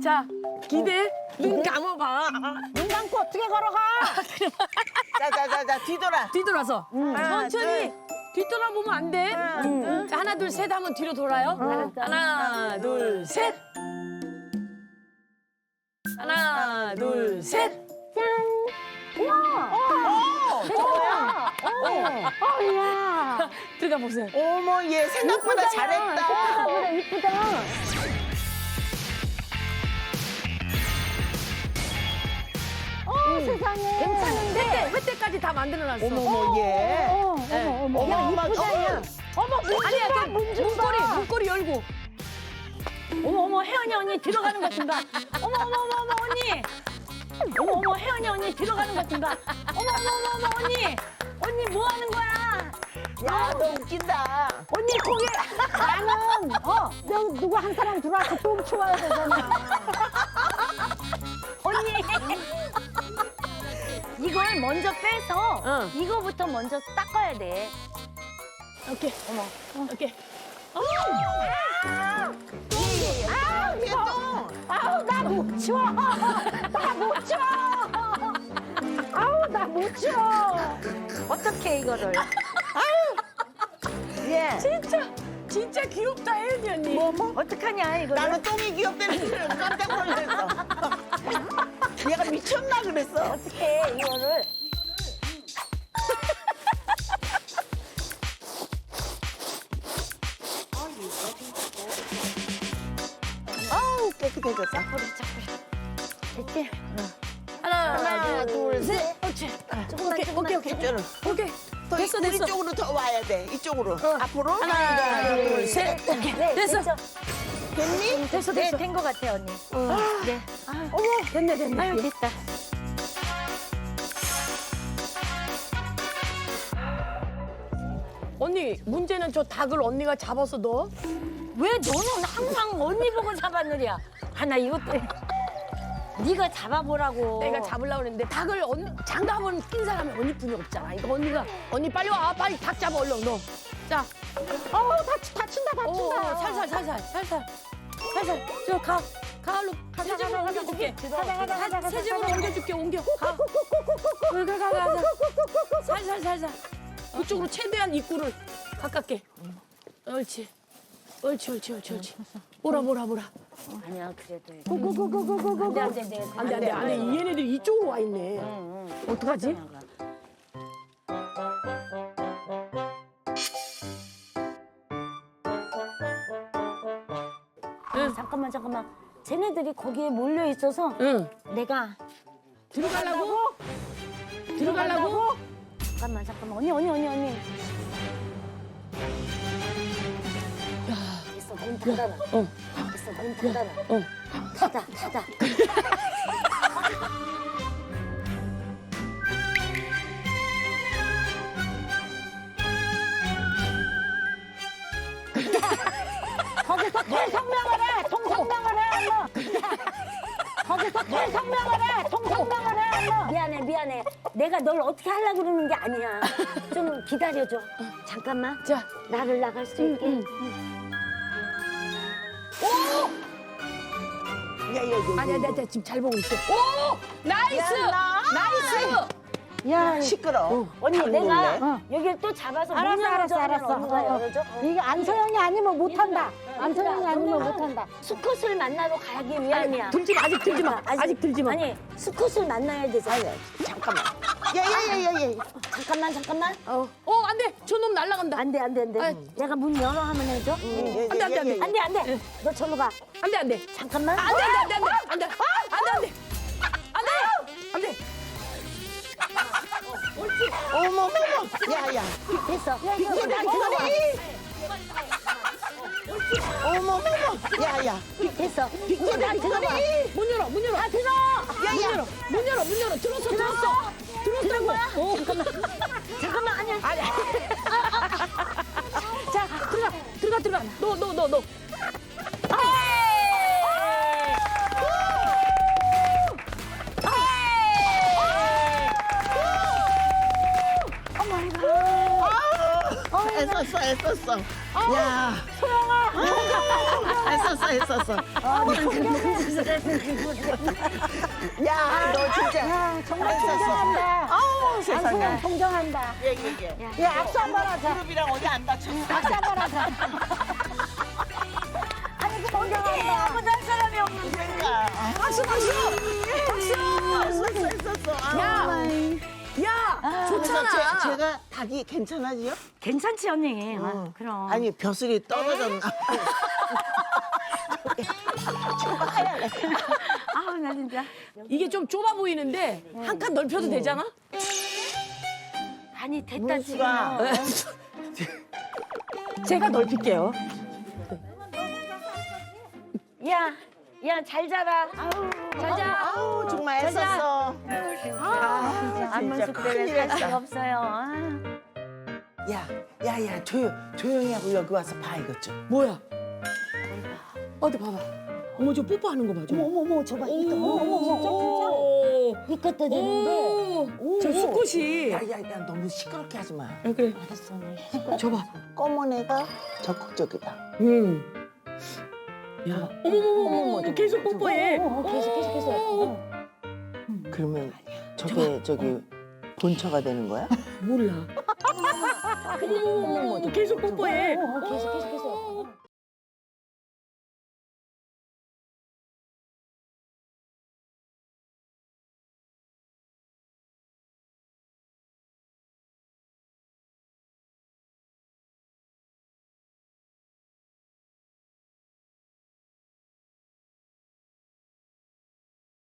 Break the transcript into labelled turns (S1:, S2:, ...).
S1: 자, 기대. 눈 감아봐.
S2: 눈 감고 어떻게 걸어가?
S3: 자, 뒤돌아.
S1: 뒤돌아서. 천천히. 뒤돌아보면 안 돼. 자, 하나, 둘, 셋 하면 뒤로 돌아요. 하나, 둘, 셋. 하나, 둘, 셋.
S2: 야.
S1: 들어가 보세요.
S3: 어머, 얘 생각보다 잘했다.
S2: 생각보다 이쁘다. 세상에.
S1: 괜찮은데? 횟대까지 다 만들어놨어.
S3: 어머, 얘.
S2: 어머, 야,
S3: 어머,
S2: 이쁘다, 야. 어머,
S1: 아니야, 그
S2: 문중봐.
S1: 문고리 열고.
S2: 어머, 혜연이 언니 들어가는 것 좀 봐. 어머, 언니. 어머, 혜연이 언니 들어가는 것 좀 봐. 어머, 언니. 언니 뭐 하는 거야?
S3: 야, 너 웃긴다.
S2: 언니 거기 나는 너 누구 한 사람 들어와서 똥 치워야 되잖아. 언니 이걸 먼저 빼서
S1: 응.
S2: 이거부터 먼저 닦아야 돼.
S1: 오케이. 오케이.
S2: 아우 나 못 치워. 나 못 치워. 아우 나 못 치워. 어떻게 이거를?
S3: 얘.
S1: 진짜 귀엽다, 혜연이 언니.
S2: 어떡하냐 이거?
S3: 나는 똥이 귀엽다는 줄 깜짝 놀랐어. 얘가 미쳤나 그랬어.
S2: 어떻게 이거를?
S3: 아우, 깨끗해졌다.
S2: 됐지?
S1: 하나,
S3: 둘, 셋.
S2: 조금만.
S1: 오케이.
S3: 더
S1: 됐어,
S3: 우리
S1: 됐어.
S3: 쪽으로 더 와야 돼. 이쪽으로. 앞으로.
S1: 하나, 둘, 셋.
S2: 네,
S1: 됐어.
S3: 됐니?
S1: 됐어,
S2: 네,
S1: 됐어.
S2: 된 것 같아 언니. 네.
S1: 됐네.
S2: 아유 됐다.
S1: 언니, 문제는 저 닭을 언니가 잡아서 넣어?
S2: 왜 너는 항상 언니 보고 잡아느랴? 하나 이것도 네가 잡아보라고.
S1: 내가 잡으려고 그랬는데 닭을 언니 장갑은 낀 사람이 언니뿐이 없잖아. 이거 언니 빨리 와. 빨리 닭 잡아 얼른 너. 자.
S2: 다친다.
S1: 살살. 저 가을로 새집으로 옮겨줄게. 새집으로 옮겨줄게. 옮겨. 가. 살살. 그쪽으로 최대한 입구를 가깝게. 옳지. 보라.
S2: 아니야 그래도.
S1: 안돼. 얘네들 이쪽으로 와 있네. 어떡하지?
S2: 잠깐만. 쟤네들이 거기에 몰려 있어서
S1: 응.
S2: 내가
S1: 들어가려고?
S2: 잠깐만. 언니. 됐어, 문 닫아놔. 됐어, 문 닫아놔. 닫아. 거기서 통성명을 해, 엄마. 거기서 통성명을 해, 엄마. 미안해. 내가 널 어떻게 하려고 그러는 게 아니야. 좀 기다려줘. 잠깐만.
S1: 자.
S2: 나를 나갈 수 있게.
S1: 아니야, 내가 지금 잘 보고 있어. 오! 나이스!
S2: 야,
S3: 시끄러.
S2: 언니
S3: 닭
S2: 내가
S3: 놀래?
S2: 여기를 또 잡아서 문 열어줘 하면 언니가 열어줘.
S4: 이게 안소영이 아니면 못한다. 안소영이 아니면 못한다.
S2: 수컷을 만나러 가기 위함이야.
S1: 아직 들지 마. 아직 들지 마.
S2: 아니 수컷을 만나야 되잖아.
S3: 잠깐만. 야.
S2: 잠깐만.
S1: 안 돼. 저놈 날아간다.
S2: 안 돼. 내가 문 열어 하면 해줘. 안 돼. 너 절로 가.
S1: 안 돼.
S2: 잠깐만.
S1: 안 돼.
S3: 어머. 야.
S2: 됐어.
S3: 어머. 야.
S2: 됐어.
S1: 문 열어.
S2: 다 들어.
S1: 문 열어. 들었어. 들었다고.
S2: 잠깐만 아니야.
S1: 자, 들어가. 너.
S3: 애썼어. 야. 소영아. 애썼어. 했었어. 야, 너 진짜.
S4: 야, 정말
S3: 했었어.
S4: 존경한다.
S3: 아우, 세상에.
S4: 안성현 존경한다.
S3: 예.
S4: 야, 악수 한 번 하자.
S3: 무릎이랑 어디 안 다쳤어?
S4: 악수 한 번 하자. 아니, 존경한다.
S2: 아무도 할 사람이 없는데.
S3: 그러니까.
S1: 박수 박수. 박수.
S3: 했었어.
S1: 야 좋잖아.
S3: 제가 닭이 괜찮아지요?
S2: 괜찮지 언니. 아, 그럼.
S3: 아니, 벼슬이 떨어졌나?
S2: 아우 나 진짜.
S1: 이게 좀 좁아 보이는데 한 칸 넓혀도 되잖아?
S2: 아니 됐다
S3: 문수가.
S2: 지금.
S1: 제가 넓힐게요.
S2: 야, 야 잘 자라. 아우 잘 자.
S3: 아우, 정말 애썼어.
S2: 진짜 안문숙 때문에
S3: 큰일
S2: 살
S3: 했다.
S2: 수가 없어요. 아.
S3: 야, 조용히 하고 여기 와서 봐, 이것 좀.
S1: 뭐야? 어디 봐봐. 어머 저 뽀뽀하는 거 봐. 좀.
S4: 어머, 저봐. 이거,
S1: 오.
S4: 이것도 되는데.
S1: 오. 저 수컷이.
S3: 야, 너무 시끄럽게 하지 마.
S1: 아, 그래.
S4: 알았어, 언니.
S1: 저봐.
S3: 검은 애가 적극적이다.
S1: 야. 어머머머. 계속 뽀뽀해.
S4: 계속.
S3: 그러면 저기 본처가 되는 거야?
S1: 몰라. 어머머머. 계속 뽀뽀해.
S4: 계속.